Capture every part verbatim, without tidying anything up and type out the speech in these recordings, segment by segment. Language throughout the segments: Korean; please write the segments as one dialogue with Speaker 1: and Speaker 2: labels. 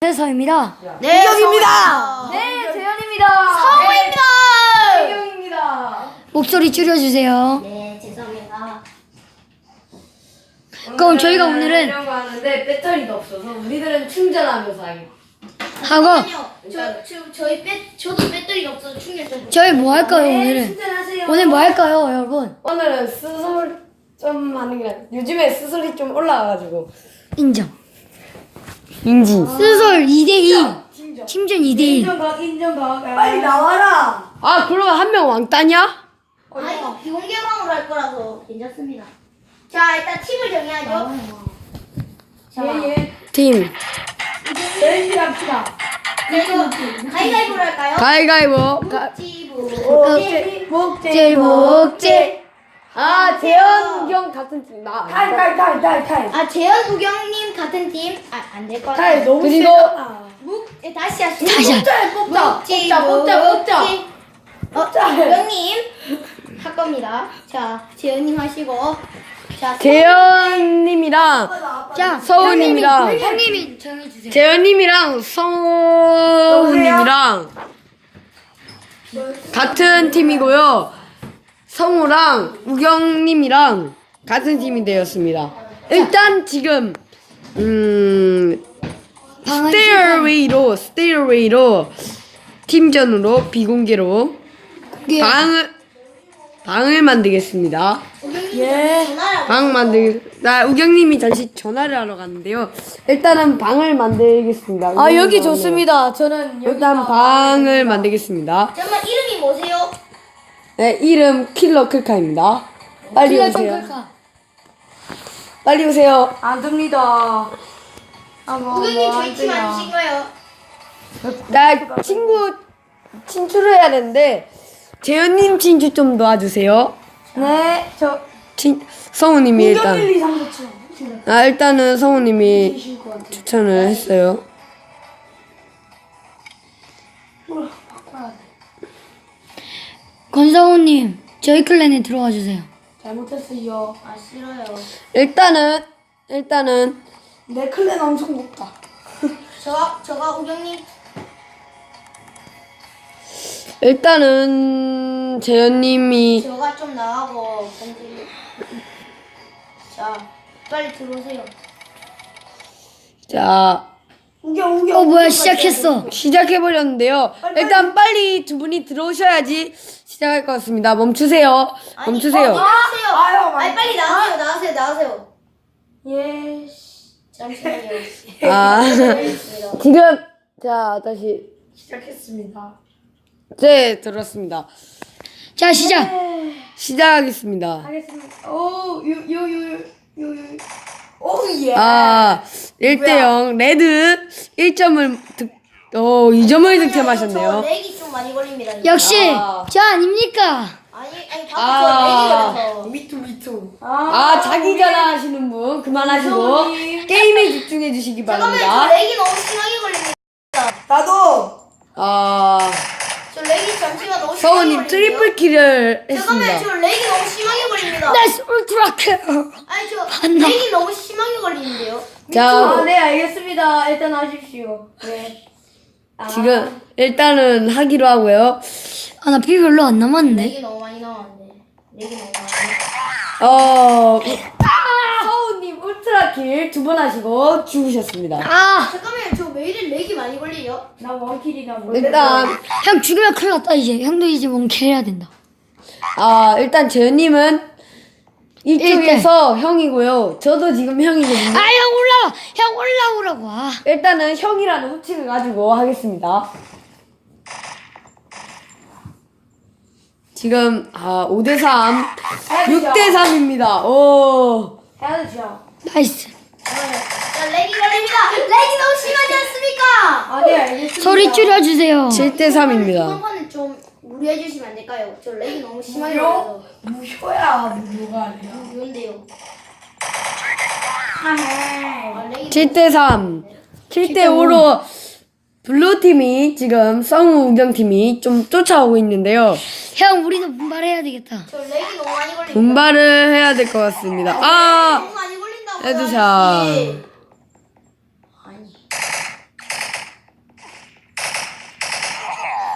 Speaker 1: 세서입니다.
Speaker 2: 네,
Speaker 3: 이경입니다.
Speaker 1: 네, 재현입니다.
Speaker 2: 성우입니다.
Speaker 1: 혜경입니다. 목소리 줄여주세요.
Speaker 2: 네, 죄송합니다.
Speaker 1: 그럼 저희가 오늘은
Speaker 3: 이런 거 하는데 배터리가 없어서 우리들은 충전하면서 하기.
Speaker 1: 하고
Speaker 2: 잠깐만요. 저, 저, 저희 배, 저도 배터리가 없어서 충전 좀.
Speaker 1: 저희 뭐 할까요
Speaker 3: 네,
Speaker 1: 오늘은?
Speaker 3: 충전하세요.
Speaker 1: 오늘 뭐 할까요 여러분?
Speaker 3: 오늘은 스솔 좀 하는 게 아니라 요즘에 스솔이 좀 올라와가지고.
Speaker 1: 인정.
Speaker 3: 인지.
Speaker 1: 스솔 이 대 이.
Speaker 3: 팀전.
Speaker 1: 팀전 이 대 일.
Speaker 3: 인정각 인정각. 빨리 나와라. 아 그러면 한 명 왕따냐?
Speaker 2: 아, 이거 비공개방으로 할 거라서 괜찮습니다. 자, 일단 팀을 정해야죠. 자,
Speaker 3: 예예. 팀. 렌즈 합시다.
Speaker 2: 그래서 가위바위보로 할까요?
Speaker 3: 가위가위보. 가.
Speaker 2: 묵지부.
Speaker 3: 목재 목재
Speaker 1: 목재.
Speaker 3: 아 재현 형 같은 팀 나.
Speaker 1: 탈탈탈탈탈.
Speaker 2: 아, 재현 우경님 같은 팀. 아, 안 될 것 같아요.
Speaker 3: 너무 그리고
Speaker 2: 묵, 예, 다시 하시죠.
Speaker 1: 다시 하-
Speaker 3: 뽑자
Speaker 2: 묵지,
Speaker 3: 뽑자 뽑자 뽑자.
Speaker 2: 묵지. 어, 우경님 할 겁니다. 자, 재현님 하시고. 자,
Speaker 3: 재현님이랑
Speaker 1: 자,
Speaker 3: 서우님이랑
Speaker 1: 형님이, 형님이 정해주세요.
Speaker 3: 재현님이랑 성우님이랑 같은 팀이고요. 성우랑 우경님이랑 같은 팀이 되었습니다. 일단 지금 음
Speaker 1: 방은
Speaker 3: 스테어웨이로 스테어웨이로 팀전으로 비공개로
Speaker 1: 예.
Speaker 3: 방을 방을 만들겠습니다.
Speaker 2: 예. 전화를
Speaker 3: 방 만들 나 우경님이 잠시 전화를 하러 갔는데요. 일단은 방을 만들겠습니다.
Speaker 1: 아 여기
Speaker 3: 우경님
Speaker 1: 좋습니다. 저는 여기
Speaker 3: 일단 방을 만들겠습니다.
Speaker 2: 잠깐만, 이름이 뭐세요?
Speaker 3: 네 이름 킬러 클카입니다. 빨리
Speaker 1: 키가
Speaker 3: 오세요.
Speaker 1: 좀 클까?
Speaker 3: 빨리 오세요.
Speaker 1: 안 됩니다.
Speaker 2: 우경님 저희 팀 아니신가요?
Speaker 3: 나 친구 친추를 해야 되는데 재현님 친추 좀 도와주세요.
Speaker 1: 네, 저
Speaker 3: 친 성우님이 일단
Speaker 1: 이, 삼, 사, 칠.
Speaker 3: 아 일단은 성우님이 추천을 했어요.
Speaker 1: 권성우님 저희 클랜에 들어와 주세요.
Speaker 3: 잘못했어요.
Speaker 2: 아, 싫어요.
Speaker 3: 일단은 일단은
Speaker 1: 내 클랜 엄청 높다.
Speaker 2: 저, 저가 우경님.
Speaker 3: 일단은 재현님이
Speaker 2: 저가 좀 나가고 번지. 자, 빨리 들어오세요.
Speaker 3: 자
Speaker 1: 우경 우경. 어 뭐야 시작했어.
Speaker 3: 시작해 버렸는데요. 일단 빨리 두 분이 들어오셔야지 시작할 것 같습니다. 멈추세요.
Speaker 2: 아니,
Speaker 3: 멈추세요.
Speaker 2: 어, 나가세요.
Speaker 1: 아유,
Speaker 2: 아니, 빨리 나가세요. 나가세요. 나가세요.
Speaker 1: 예.
Speaker 2: 잠시만요.
Speaker 3: 아
Speaker 2: 알겠습니다.
Speaker 3: 지금 자 다시
Speaker 1: 시작했습니다.
Speaker 3: 네 들었습니다.
Speaker 1: 자 시작.
Speaker 3: 시작하겠습니다.
Speaker 1: 하겠습니다. 오요요요요요. 오 예.
Speaker 3: 아 일 대 영 레드 일 점을 득, 어, 이 점을
Speaker 2: 저
Speaker 3: 득점하셨네요.
Speaker 2: 렉이 좀 많이 걸립니다.
Speaker 1: 역시
Speaker 3: 아.
Speaker 1: 저 아닙니까?
Speaker 2: 아니, 아니,
Speaker 3: 아.
Speaker 2: 방금 저 렉이 걸려서.
Speaker 1: 미투 미투.
Speaker 3: 아 자기 전화하시는 분 그만하시고 게임에 집중해 주시기
Speaker 2: 잠깐만요. 저
Speaker 3: 바랍니다.
Speaker 2: 렉이 너무 심하게 걸립니다.
Speaker 1: 나도.
Speaker 3: 아
Speaker 2: 저 렉이 잠시만 너무 심하게
Speaker 3: 서우님
Speaker 2: 걸리는데요?
Speaker 3: 트리플 킬을
Speaker 2: 잠깐만요.
Speaker 3: 했습니다.
Speaker 2: 저 렉이 너무 심하게 걸립니다.
Speaker 1: 나이스 울트라크.
Speaker 2: 아니, 저
Speaker 1: 봤나?
Speaker 2: 렉이 너무 심하게 걸리는데요.
Speaker 3: 자
Speaker 1: 네 알겠습니다. 일단 하십시오. 네.
Speaker 3: 지금 일단은 하기로 하고요.
Speaker 1: 아 나 피 별로 안 남았는데.
Speaker 2: 렉이 너무 많이 나왔는데. 렉이 너무 많이.
Speaker 3: 어 서우님 울트라 킬 두 번 하시고 죽으셨습니다.
Speaker 1: 아,
Speaker 2: 잠깐만요. 저 왜 이리 렉이 많이 걸리죠?
Speaker 1: 나 원킬이다.
Speaker 3: 일단
Speaker 1: 형 죽으면 큰일 났다 이제. 형도 이제 원킬 해야 된다.
Speaker 3: 아 일단 재현님은 이쪽에서 형이고요. 저도 지금 형이거든요.
Speaker 1: 아 형 올라와. 형 올라오라고. 아.
Speaker 3: 일단은 형이라는 호칭을 가지고 하겠습니다. 지금 아 오 대 삼, 육 대 삼입니다. 오.
Speaker 1: 해야죠. 나이스.
Speaker 2: 자, 렉이 걸립니다. 렉이 너무 심하지 않습니까?
Speaker 1: 아 네 알겠습니다. 소리 줄여주세요.
Speaker 3: 칠 대 삼입니다.
Speaker 2: 이번 판은 좀 무리해 주시면 안 될까요? 저 렉이 너무 심하게 걸려서.
Speaker 1: 무효야 무효가 아니야.
Speaker 2: 무인데요.
Speaker 1: 아,
Speaker 2: 아, 렉이
Speaker 3: 칠 대 삼, 칠 대 오로 블루팀이 지금 성우 우경팀이 좀 쫓아오고 있는데요.
Speaker 1: 형 우리도 분발해야 되겠다.
Speaker 2: 저 렉이 너무 많이 걸립니다.
Speaker 3: 분발을 해야 될 것 같습니다.
Speaker 2: 렉이
Speaker 3: 아!
Speaker 2: 너무 많이 걸린다고요.
Speaker 3: 헤드샷.
Speaker 2: 아저씨. 아니.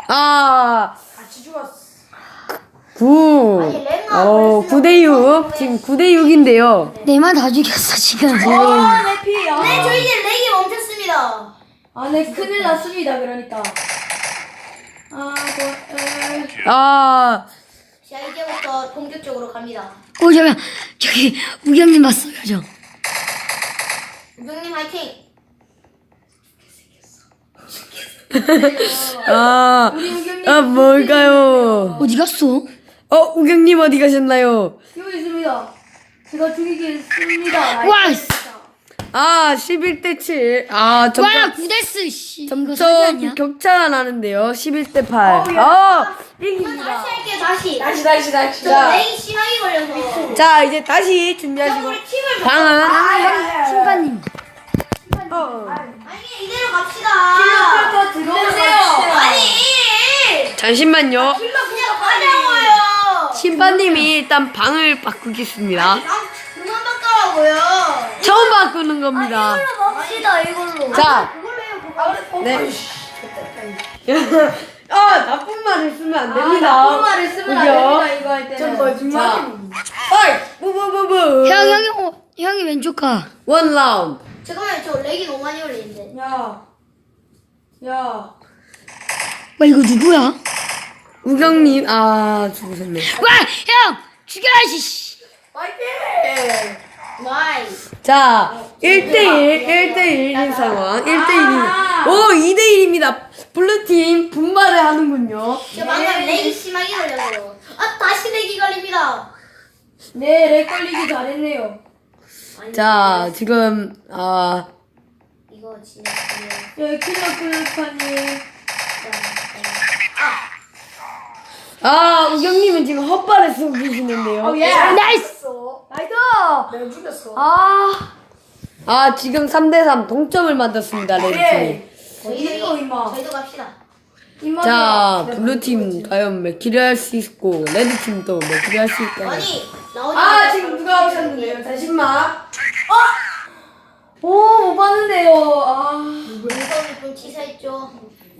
Speaker 3: 아,
Speaker 1: 같이 죽었어.
Speaker 3: 구.
Speaker 2: 아니, 랭아
Speaker 3: 어,
Speaker 2: 벌써
Speaker 3: 구 대 육. 지금 구 대 육인데요.
Speaker 1: 내만 다 죽였어 지금.
Speaker 4: 아, 내 피. 아,
Speaker 2: 네, 저희 이제 렉이 멈췄습니다.
Speaker 4: 아, 네, 큰일 났습니다. 그러니까. 아, 뭐, 에.
Speaker 3: 아,
Speaker 2: 자, 이제부터 본격적으로 갑니다.
Speaker 1: 오 잠깐 저기 우경님 봤어요 저.
Speaker 2: 우경님 화이팅!
Speaker 3: 아, 아, 뭘까요?
Speaker 1: 어디 갔어?
Speaker 3: 어, 우경님 어디 가셨나요?
Speaker 4: 여기 있습니다. 제가 죽이겠습니다.
Speaker 1: 와,
Speaker 3: 아, 십일 대 칠. 아,
Speaker 1: 와
Speaker 3: 점점,
Speaker 1: 구데스 씨. 이거 사기
Speaker 3: 점점
Speaker 1: 아니야?
Speaker 3: 격차가 나는데요. 십일 대 팔. 어,
Speaker 2: 그럼
Speaker 3: 이깁니다.
Speaker 2: 다시 할게요, 다시.
Speaker 4: 다시, 다시, 다시.
Speaker 2: 저
Speaker 3: 자.
Speaker 2: 렉이 심하게 걸려서.
Speaker 3: 자, 이제 다시
Speaker 2: 자,
Speaker 3: 준비하시고.
Speaker 2: 우리 팀을
Speaker 3: 방은.
Speaker 1: 아, 심판님.
Speaker 3: 어.
Speaker 2: 아니, 이대로 갑시다.
Speaker 4: 킬러 들어오세요.
Speaker 2: 아니!
Speaker 3: 잠시만요.
Speaker 2: 그냥 가자고요.
Speaker 3: 심판님이 일단 방을 바꾸겠습니다.
Speaker 2: 아, 그만 바꿔라고요.
Speaker 3: 처음 바꾸는 겁니다.
Speaker 2: 봅시다, 이걸로.
Speaker 3: 자.
Speaker 2: 그걸로 해요, 그걸로.
Speaker 3: 네. 아, 나쁜 말을 쓰면 안 됩니다.
Speaker 4: 아, 나쁜 말을 쓰면 안
Speaker 3: 그죠?
Speaker 4: 됩니다. 이거 할 때는.
Speaker 3: 저 거짓말입니다. 어이, 부부부부.
Speaker 1: 형 형이 어, 형이 왼쪽 가.
Speaker 3: 원 라운드.
Speaker 2: 잠깐만요, 저 렉이 너무 많이 걸리는데.
Speaker 4: 야. 야.
Speaker 1: 와 이거 누구야?
Speaker 3: 우경님, 아, 죽으셨네.
Speaker 1: 와 형 죽여야지. 씨.
Speaker 4: 파이팅!
Speaker 2: 와이.
Speaker 3: 자, 일 대 일, 일 대 일인 상황. 일 대 일이. 오, 이 대 일입니다. 블루팀 분발을 하는군요.
Speaker 2: 저 방금 렉이 심하게 걸려서. 아, 다시 렉이 걸립니다.
Speaker 4: 네, 렉 걸리기 잘했네요.
Speaker 2: 아니,
Speaker 3: 자, 지금, 아,
Speaker 2: 이거 진짜. 그냥-
Speaker 4: 예, 킬러 클루파님.
Speaker 3: 아, 우경님은 지금 헛발을 쓰고 계시는데요.
Speaker 4: 예.
Speaker 1: 나이스.
Speaker 4: 나이스!
Speaker 1: 내가 죽였어.
Speaker 4: 아.
Speaker 3: 아, 지금 삼 대 삼 동점을 만들었습니다, 레드팀이.
Speaker 4: 예.
Speaker 2: 저희도,
Speaker 4: 이거 임마.
Speaker 2: 저희도 갑시다.
Speaker 4: 임마.
Speaker 3: 자, 블루팀 과연 몇 킬을 할 수 있고, 레드팀도 몇 킬을 할 수 있고.
Speaker 2: 아니, 나오지
Speaker 3: 아, 지금 누가 오셨는데요? 잠시만.
Speaker 4: 오, 못 봤는데요. 아.
Speaker 2: 무서움이 좀 치사했죠.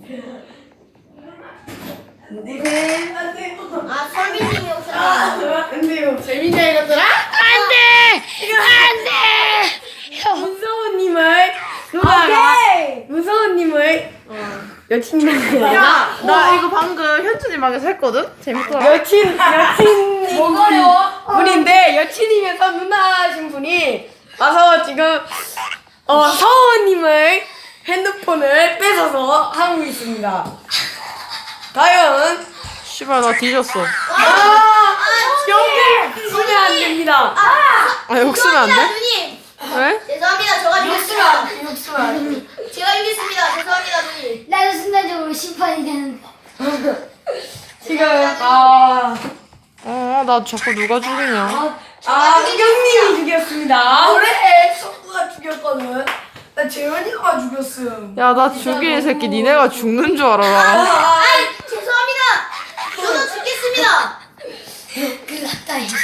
Speaker 3: 네.
Speaker 2: 아, 설민님이 오셨네요.
Speaker 3: 안 돼요. 재민이가 이것들아?
Speaker 1: 안돼 안돼. 형
Speaker 3: 무서운님을, 누나가,
Speaker 4: 오케이.
Speaker 3: 무서운님을, 여친님을.
Speaker 5: 야, 나 이거 방금 현준이 방에서 했거든? 재밌더라.
Speaker 3: 여친, 여친.
Speaker 4: 뭐가요?
Speaker 3: 분인데, 여친이면서 누나신 분이 와서 지금, 어, 서우님을 핸드폰을 뺏어서 하고 있습니다. 과연,
Speaker 5: 씨발, 나 뒤졌어.
Speaker 3: 아, 연결 쓰면 안 됩니다.
Speaker 5: 아, 욕 쓰면 안
Speaker 2: 죄송합니다,
Speaker 5: 돼?
Speaker 2: 누님.
Speaker 5: 왜?
Speaker 2: 죄송합니다, 저가 이겼습니다. 제가 이겼습니다. 죄송합니다, 누님.
Speaker 1: 나도 순간적으로 심판이 되는.
Speaker 3: 지금, 아,
Speaker 5: 어, 나 자꾸 누가 죽이냐.
Speaker 3: 아, 우경님이 죽였습니다.
Speaker 4: 그래, 성구가 죽였거든. 나 재현이가 죽였음.
Speaker 5: 야, 나 죽인 새끼 니네가 죽는 줄 알아라.
Speaker 2: 아, 죄송합니다. 저도 죽겠습니다.
Speaker 1: 그났다 이제.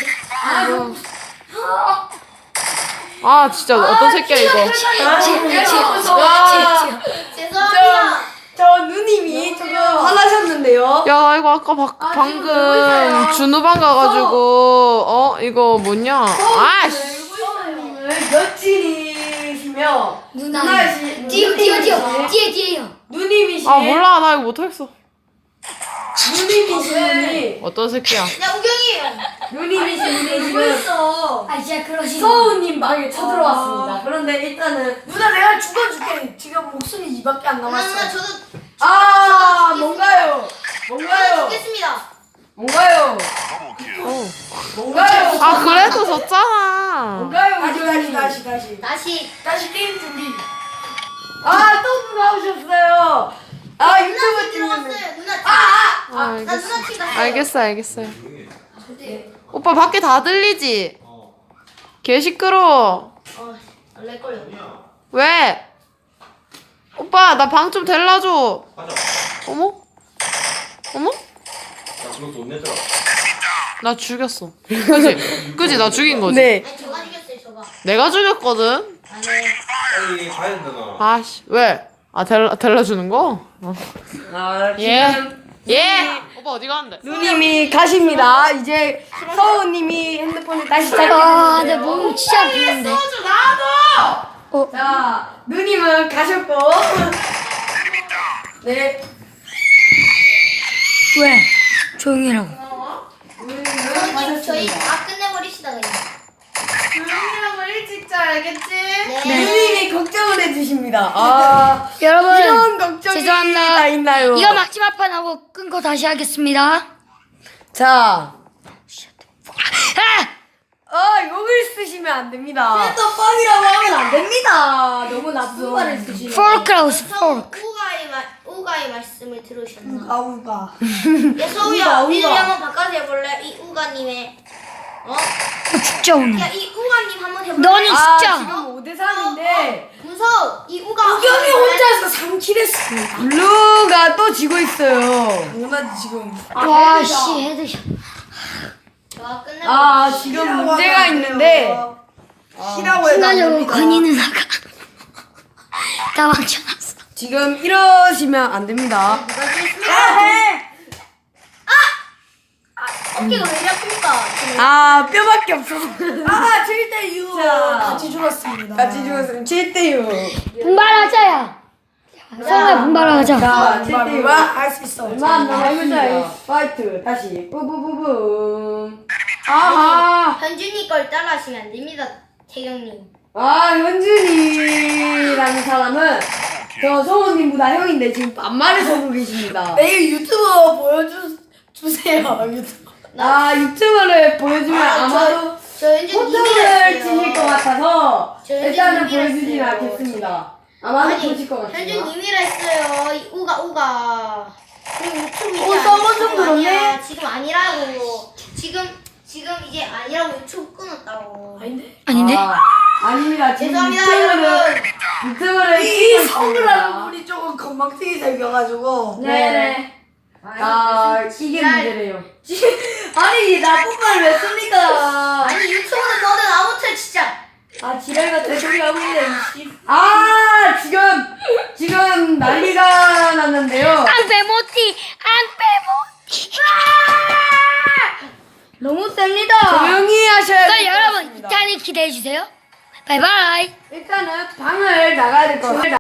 Speaker 5: 아, 진짜 어떤 새끼야, 이거.
Speaker 3: 와,
Speaker 2: 죄송합니다.
Speaker 3: 저 누님이 조금 화나셨는데요.
Speaker 5: 야, 나 이거 아까 바, 방금 준우방 가가지고, 어, 이거 뭐냐. 아씨.
Speaker 3: 여친이시며
Speaker 1: 누나.
Speaker 3: 누나시
Speaker 1: 뛰어 뛰어 뛰어 뒤에 뒤에요.
Speaker 3: 누님이시
Speaker 5: 아, 몰라. 나 이거 못하겠어.
Speaker 3: 누님이신 분이
Speaker 5: 어떤 새끼야.
Speaker 2: 야, 우경이.
Speaker 3: 누님이신 분이 지금
Speaker 1: 아 진짜 그러시.
Speaker 3: 서우님 방에 쳐들어왔습니다. 그런데 일단은
Speaker 4: 누나 내가 죽어줄게. 지금 목숨이 이밖에 안
Speaker 2: 누나, 누나,
Speaker 4: 남았어.
Speaker 2: 저도
Speaker 3: 아 뭔가요?
Speaker 2: 저도
Speaker 3: 뭔가요?
Speaker 2: 죽겠습니다.
Speaker 3: 뭔가요?
Speaker 5: 어.
Speaker 3: 뭔가요?
Speaker 5: 아, 그래도 졌잖아.
Speaker 3: 뭔가요?
Speaker 4: 다시 다시
Speaker 3: 우경님?
Speaker 4: 다시 다시.
Speaker 2: 다시.
Speaker 4: 다시 게임 준비.
Speaker 3: 아 또 누가 오셨어요? 아
Speaker 2: 누나
Speaker 3: 유튜브
Speaker 2: 팀
Speaker 3: 찍는
Speaker 2: 들어갔어요. 누나 팀.
Speaker 5: 아,
Speaker 2: 나
Speaker 5: 알겠어.
Speaker 2: 누나 팀 갔어요.
Speaker 5: 알겠어, 알겠어요. 오빠 밖에 다 들리지? 개 시끄러워.
Speaker 2: 어, 렉 걸려.
Speaker 5: 왜? 오빠, 나 방 좀 데려줘.
Speaker 6: 가자.
Speaker 5: 어머? 어머?
Speaker 6: 나 그거 돈 내더라.
Speaker 5: 나 죽였어. 그지? 그지? 나 죽인 거지?
Speaker 3: 네.
Speaker 2: 아니, 저가 이겼어요, 저가.
Speaker 5: 내가 죽였거든?
Speaker 2: 아, 네.
Speaker 6: 빨리 가야 된다 나.
Speaker 5: 아씨, 왜? 아, 데려, 데려주는 거? 어.
Speaker 3: 아
Speaker 5: 예.
Speaker 3: 지금
Speaker 5: 예. 오빠 어디 가는데?
Speaker 3: 누님이 가십니다. 이제 서우님이 핸드폰을 다시
Speaker 1: 아,
Speaker 3: 찾게
Speaker 1: 내 몸이 진짜 아프는데.
Speaker 5: 소주 나도.
Speaker 1: 어,
Speaker 3: 자, 누님은 가셨고. 네.
Speaker 1: 왜? 조용히 하라고.
Speaker 3: 누님은
Speaker 2: 선생님 저희
Speaker 3: 가셨습니다.
Speaker 2: 다 끝내버리시다 그냥.
Speaker 5: 조용히라고 일찍 자 알겠지?
Speaker 2: 네.
Speaker 3: 누님이 걱정을 해주십니다. 아,
Speaker 1: 여러분,
Speaker 3: 이런 걱정이
Speaker 1: 죄송합니다.
Speaker 3: 다 있나요?
Speaker 1: 이거 막지마 판 하고 끊고 다시 하겠습니다.
Speaker 3: 자,
Speaker 1: 아!
Speaker 3: 어, 욕을 쓰시면 안 됩니다.
Speaker 4: 또 뻥이라고 하면 안 됩니다. 너무 나쁜 말을 쓰시네.
Speaker 1: 포크라우스
Speaker 2: 성
Speaker 1: 포크.
Speaker 2: 우가의 말 우가의 말씀을 들으셨나?
Speaker 4: 아우가.
Speaker 2: 야 서우야, 우리 한번 바꿔서 해볼래? 이 우가님의 어?
Speaker 1: 죽자 오늘.
Speaker 2: 야 이 우가님 한번 해볼래?
Speaker 1: 너는
Speaker 3: 아,
Speaker 1: 진짜.
Speaker 3: 지금 오 대 삼인데,
Speaker 2: 무서워. 이 우가.
Speaker 4: 우경이 혼자서 삼 킬 했어.
Speaker 3: 블루가 또 지고 있어요.
Speaker 4: 누나 지금.
Speaker 1: 와, 씨, 헤드샷.
Speaker 2: 저 끝내.
Speaker 3: 아, 지금 문제가 있는데,
Speaker 4: 시라고 해도 안
Speaker 1: 순간적으로
Speaker 4: 됩니다.
Speaker 1: 건이 누나가 다 망쳐놨어.
Speaker 3: 지금 이러시면 안 됩니다.
Speaker 2: 누가 지겠습니까? 어깨가 왜 이렇게 아픕니까?
Speaker 3: 아, 뼈밖에 없어서.
Speaker 4: 아, 칠 대 육.
Speaker 3: 자.
Speaker 4: 같이 죽었습니다.
Speaker 3: 같이 죽었으면 칠 대 육.
Speaker 1: 분발하자야. 성우야 분발하자.
Speaker 3: 자, 칠 대 육.
Speaker 4: 할수 있어.
Speaker 3: 얼마 안 남았습니다. 파이트, 다시. 뿌뿌뿌뿌. 아하.
Speaker 2: 현준이 걸 따라하시면 안 됩니다, 태경님.
Speaker 3: 아, 현준이라는 사람은 저 성우님보다 형인데 지금 반말을 서고 계십니다.
Speaker 4: 내일 유튜브 보여주 주세요. 유튜브.
Speaker 3: 아, 유튜브를 보여주면 아마도
Speaker 2: 저 현준
Speaker 3: 호통을
Speaker 2: 님이랬어요.
Speaker 3: 치실 것 같아서
Speaker 2: 저 현준
Speaker 3: 일단은
Speaker 2: 님이랬어요.
Speaker 3: 보여주지는 않겠습니다. 아마도
Speaker 2: 아니,
Speaker 3: 보실 것 같습니다.
Speaker 2: 현준 님이라 했어요. 이 우가 우가. 그리고 유튜브 이제
Speaker 4: 어,
Speaker 2: 아니-
Speaker 4: 썸머 좀
Speaker 2: 지금
Speaker 4: 들었네?
Speaker 2: 아니야. 지금 아니라고. 지금 지금 이제 아니라고 유튜브 끊었다고.
Speaker 4: 아닌데?
Speaker 1: 아닌데?
Speaker 3: 아, 아닙니다. 지금
Speaker 2: 죄송합니다,
Speaker 3: 유튜브를
Speaker 2: 여러분.
Speaker 3: 유튜브를
Speaker 4: 이
Speaker 3: 찍고
Speaker 4: 성우라는
Speaker 3: 있습니다.
Speaker 4: 분이 조금 건방지게 생겨가지고.
Speaker 3: 네네. 아, 이게 문제래요.
Speaker 4: 아니, 나쁜 말 왜 씁니까?
Speaker 2: 아니 유튜브는 뭐든 아무튼 진짜.
Speaker 4: 아, 지랄 같은 소리 하고 있네, 이 씨.
Speaker 3: 아, 지금 지금 난리가 났는데요.
Speaker 1: 앙빼모티, 앙빼모티.
Speaker 4: 너무 셉니다.
Speaker 3: 조용히 하셔야
Speaker 1: 그럼
Speaker 3: 될것
Speaker 1: 여러분
Speaker 3: 같습니다.
Speaker 1: 이탄이 기대해 주세요. 바이바이.
Speaker 3: 일단은 방을 나가야 될 것 같아요.